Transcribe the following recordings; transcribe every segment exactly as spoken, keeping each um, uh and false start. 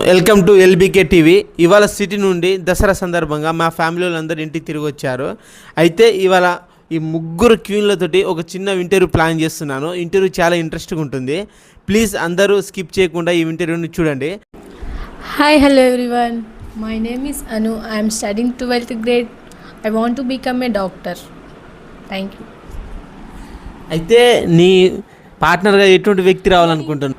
Welcome to LBK TV. ఇవాళ city నుండి దసరా సందర్భంగా మా ఫ్యామిలీ వాళ్ళందరూ ఇంటికి తిరిగి వచ్చారు. అయితే ఇవాళ ఈ ముగ్గురు క్వీన్లతోటి ఒక చిన్న ఇంటర్వ్యూ ప్లాన్ చేస్తున్నాను. ఇంటర్వ్యూ చాలా ఇంట్రెస్టింగ్ ఉంటుంది. ప్లీజ్ అందరూ స్కిప్ చేయకుండా ఈ ఇంటర్వ్యూని చూడండి. Hi hello everyone, my name is Anu. I'm studying twelfth grade. I want to become a doctor. Thank you. అయితే నీ పార్ట్నర్గా ఎటువంటి వ్యక్తి రావాలనుకుంటున్నాను?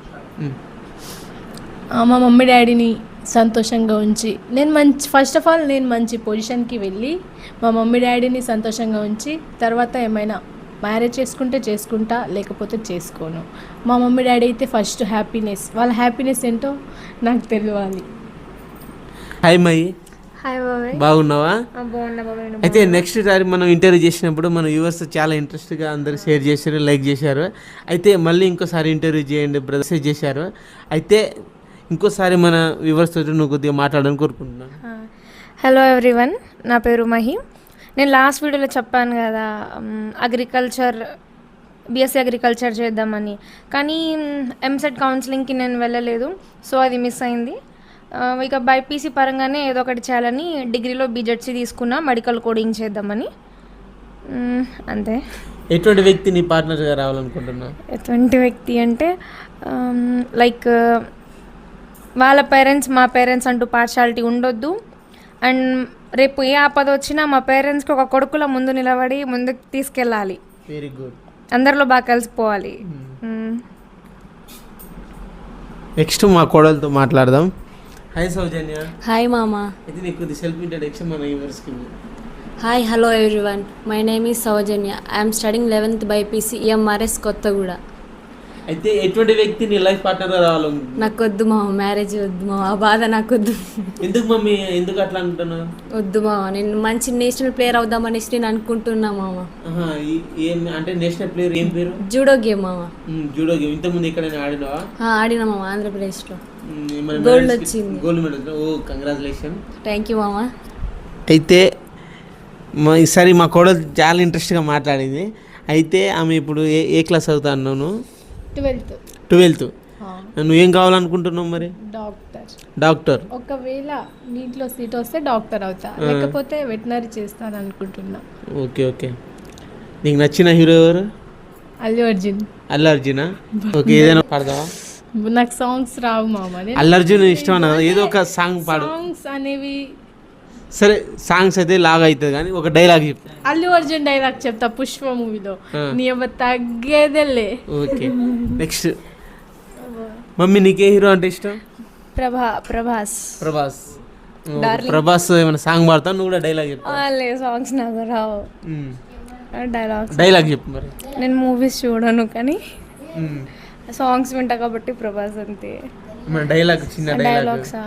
మా మమ్మీ డాడీని సంతోషంగా ఉంచి నేను మంచి ఫస్ట్ ఆఫ్ ఆల్ నేను మంచి పొజిషన్కి వెళ్ళి మా మమ్మీ డాడీని సంతోషంగా ఉంచి తర్వాత ఏమైనా మ్యారేజ్ చేసుకుంటే చేసుకుంటా, లేకపోతే చేసుకోను. మా మమ్మీ డాడీ అయితే ఫస్ట్ హ్యాపీనెస్, వాళ్ళ హ్యాపీనెస్ ఏంటో నాకు తెలియాలి. Hi my. హాయ్ బాబాయ్. బాగున్నావా? బాగున్నా బాబాయ్. అయితే నెక్స్ట్ సారి మనం ఇంటర్వ్యూ చేసినప్పుడు మన వ్యూవర్స్ చాలా ఇంట్రెస్ట్గా అందరు షేర్ చేశారు, లైక్ చేశారు. అయితే మళ్ళీ ఇంకోసారి ఇంటర్వ్యూ చేయండి బ్రదర్స్ చేశారు. అయితే ఇంకోసారి మన వ్యూవర్స్ తోటి నువ్వు కొద్దిగా మాట్లాడాలని కోరుకుంటున్నాను. హలో ఎవ్రీవన్, నా పేరు మహి. నేను లాస్ట్ వీడియోలో చెప్పాను కదా అగ్రికల్చర్ బీఎస్సీ అగ్రికల్చర్ చేద్దామని, కానీ ఎంసెట్ కౌన్సిలింగ్కి నేను వెళ్ళలేదు, సో అది మిస్ అయింది. ఇక బైపీసీ పరంగానే ఏదో ఒకటి చేయాలని డిగ్రీలో బీజెడ్సీ తీసుకున్నా, మెడికల్ కోడింగ్ చేద్దామని. అంతే. ఎటువంటి వ్యక్తి నీ పార్ట్నర్గా రావాలనుకుంటున్నా? ఎటువంటి వ్యక్తి అంటే లైక్ వాళ్ళ పేరెంట్స్ మా పేరెంట్స్ అంటూ పార్షాలిటీ ఉండొద్దు. అండ్ రేపు ఏ ఆపద వచ్చినా మా పేరెంట్స్కి ఒక కొడుకుల ముందు నిలబడి ముందుకు తీసుకెళ్ళాలి. Very good. అందరిలో బాగా కలిసిపోవాలి. నెక్స్ట్ మా కోడలతో మాట్లాడదాం. హాయ్ సౌజన్య. హాయ్ మామా. అయితే నీకు సెల్ఫ్ ఇంట్రడక్షన్ మన వ్యూవర్స్కి. Hi hello everyone, my name is Soujanya. I'm studying eleventh BiPC MRS Kothaguda. అయితే ఎటువంటి వ్యక్తి నీ లైఫ్ పార్ట్నర్గా రావాలి? నాకు వద్దు మామ, మ్యారేజ్ వద్దు మామ, ఆ బాధ నాకు వద్దు. ఎందుకు మమ్మీ, ఎందుకు అట్లా అంటున్నావు? వద్దు మామ, నేను మంచి నేషనల్ ప్లేయర్ అవుదామనేసి నేను అనుకుంటున్నా మామ. ఏం అంటే నేషనల్ ప్లేయర్? ఏం పేరు? జూడో గేమ్ మామ. జూడో గేమ్ ఇంతకుముందు ఇక్కడ ఆడినావా? ఆడినా మామ, ఆంధ్రప్రదేశ్లో గోల్డ్ వచ్చింది. Gold medal. Oh congratulation. Thank you మామ. అయితే మా ఈసారి మా కోడలు చాలా ఇంట్రెస్ట్గా మాట్లాడింది. అయితే ఆమె ఇప్పుడు ఏ ఏ క్లాస్ అవుతా అన్నాను? ట్వెల్త్. ట్వెల్త్. నువ్వేం కావాలనుకుంటున్నావు మరి? డాక్టర్. డాక్టర్. ఒకవేళ నీటిలో సీట్ వస్తే డాక్టర్ అవుతా, లేకపోతే వెటనరీ చేస్తాను అనుకుంటున్నా. Okay okay. నీకు నచ్చిన హీరో ఎవరు? అల్లు అర్జున్. అల్లు అర్జునా? ఓకే. ఏదైనా పాడదావా? నాకు సాంగ్స్ రావు మామ. అల్లు అర్జున్ ఇష్టమన్నా? ఏదో ఒక సాంగ్ పాడు. సాంగ్స్ అనేవి సరే, సాంగ్స్ అయితే లాగా అవుతుంది కానీ ఒక డైలాగ్ చెప్పు. అల్లు అర్జున్ డైలాగ్ చెప్తా, పుష్ప మూవీలో. నీ అవ్వ తగ్గేదేలే. ఓకే. నెక్స్ట్ మమ్మీ, నీకే హీరో అంటే ఇష్టం? ప్రభా ప్రభాస్. ప్రభాస్. ప్రభాస్ ఏమైనా సాంగ్ పాడతావు? నువ్వు కూడా డైలాగ్ చెప్పు. సాంగ్స్ నాకు రావు. డైలాగ్స్ డైలాగ్ చెప్పు మరి. నేను మూవీస్ చూడను కానీ సాంగ్స్ వింటా కాబట్టి ప్రభాస్ అంతే. డైలాగ్, చిన్న డైలాగ్సా?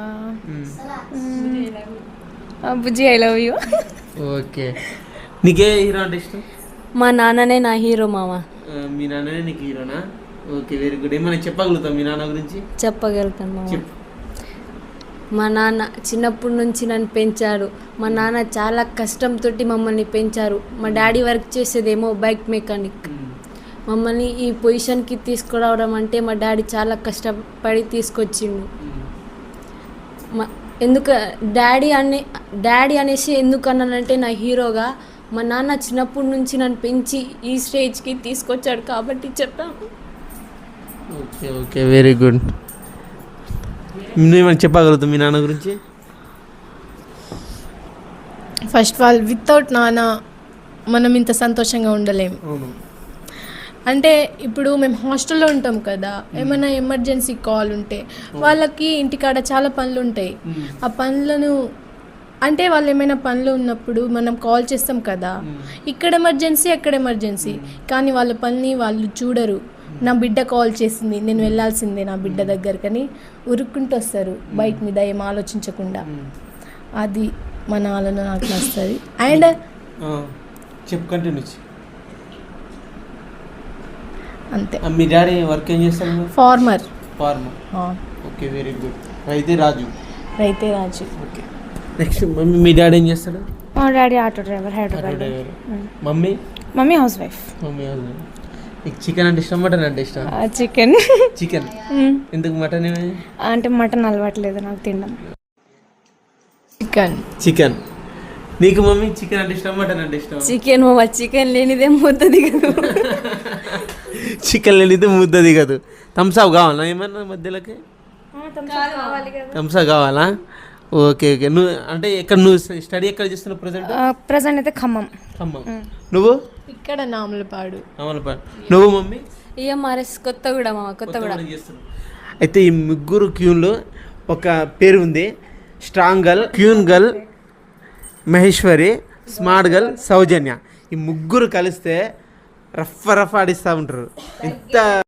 బుజ్జి ఐ లవ్ యూ. ఓకే. నీకే హీరో అంటే ఇష్టం? మా నాన్ననే నా హీరో మామ. మీ నాన్ననే నీకు హీరోనా? Okay, very good. ఏమైనా చెప్పగలుగుతావు మీ నాన్న గురించి? చెప్పగలుగుతాను మామ. మా నాన్న చిన్నప్పటి నుంచి నన్ను పెంచారు. మా నాన్న చాలా కష్టంతో మమ్మల్ని పెంచారు. మా డాడీ వర్క్ చేసేదేమో బైక్ మెకానిక్. మమ్మల్ని ఈ పొజిషన్కి తీసుకురావడం అంటే మా డాడీ చాలా కష్టపడి తీసుకొచ్చిండు. మా ఎందుకు డాడీ అనే డాడీ అనేసి ఎందుకు అన్నానంటే నా హీరోగా మా నాన్న చిన్నప్పటి నుంచి నన్ను పెంచి ఈ స్టేజ్కి తీసుకొచ్చాడు కాబట్టి చెప్పాను. Okay okay, very good. నువ్వేమైనా చెప్పగలుగుతావు మీ నాన్న గురించి? ఫస్ట్ ఆఫ్ ఆల్, వితౌట్ నాన్న మనం ఇంత సంతోషంగా ఉండలేము. అంటే ఇప్పుడు మేము హాస్టల్లో ఉంటాం కదా, ఏమైనా ఎమర్జెన్సీ కాల్ ఉంటే వాళ్ళకి ఇంటికాడ చాలా పనులు ఉంటాయి. ఆ పనులను అంటే వాళ్ళు ఏమైనా పనులు ఉన్నప్పుడు మనం కాల్ చేస్తాం కదా, ఇక్కడ ఎమర్జెన్సీ అక్కడ ఎమర్జెన్సీ, కానీ వాళ్ళ పనిని వాళ్ళు చూడరు. నా బిడ్డ కాల్ చేసింది, నేను వెళ్ళాల్సిందే నా బిడ్డ దగ్గరకని ఉరుక్కుంటూ వస్తారు బైక్ మీద, ఏం ఆలోచించకుండా. అది మన ఆలోచన నాకు నచ్చుతుంది. అండ్ చెప్పు, కంటిన్యూ. అంతే. మీ డాడీ వర్క్ ఏం చేస్తారు? Farmer. Farmer. Okay, very good. రైతే రాజు. రైతే రాజు. ఓకే. నెక్స్ట్ మమ్మీ, మీ డాడీ ఏం చేస్తాడు? మా daddy auto driver, Hyderabad. Mummy? Mummy housewife. Mummy housewife. నీకు చికెన్ అంటే ఇష్టం మటన్ అంటే ఇష్టం? చికెన్. చికెన్. ఎందుకు మటన్? అంటే మటన్ అలవాట్లేదు నాకు తినడం. చికెన్. చికెన్. నీకు మమ్మీ చికెన్ అంటే ఇష్టం మటన్ అంటే ఇష్టం? చికెన్ మామ, చికెన్ లేనిదే ముద్ద దిగదు. చికెన్ లేనిదే ముద్ద దిగదు. థమ్స్అప్ కావాలా ఏమన్నా మధ్యలోకి? థమ్స్అప్ కావాలా? Okay okay. నువ్వు అంటే ఎక్కడ నువ్వు స్టడీ ఎక్కడ చేస్తున్నావు ప్రజెంట్? ప్రజెంట్ అయితే ఖమ్మం. ఖమ్మం. నువ్వు? ఇక్కడ నామలపాడు. నామలపాడు. నువ్వు మమ్మీ? ఈఎంఆర్ఎస్ కొత్తగూడ మామ, కొత్తగూడ. అయితే ఈ ముగ్గురు క్యూన్లో ఒక పేరు ఉంది, strong girl, queen girl Maheshwari, smart girl Soujanya. ఈ ముగ్గురు కలిస్తే రఫ్ రఫ్ ఆడిస్తూ ఉంటారు. ఎంత